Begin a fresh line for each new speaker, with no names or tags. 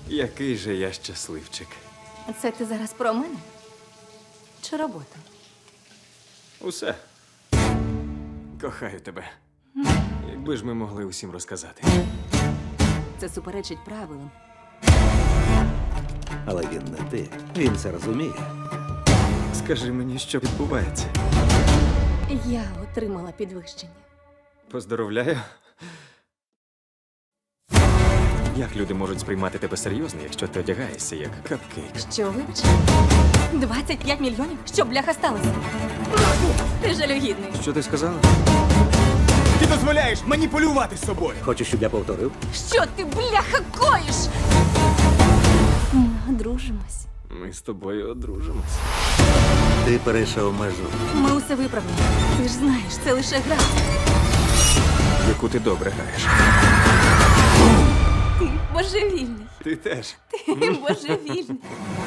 Який же я щасливчик.
Це ти зараз про мене? Чи роботу?
Усе. Кохаю тебе. Якби ж ми могли усім розказати.
Це суперечить правилам.
Але він не ти. Він це розуміє.
Скажи мені, що відбувається.
Я отримала підвищення.
Поздоровляю. Як люди можуть сприймати тебе серйозно, якщо ти одягаєшся як капкейк?
Що, вибач? 25 мільйонів? Що, бляха, сталося? Ти жалюгідний.
Що ти сказала?
Ти дозволяєш маніпулювати собою.
Хочеш, щоб я повторив?
Що ти, бляха, коїш? Ми одружимось.
Ми з тобою одружимось.
Ти перейшов межу.
Ми усе виправимо. Ти ж знаєш, це лише гра.
Яку ти добре граєш.
Ти божевільний.
Ти теж.
Ти божевільний.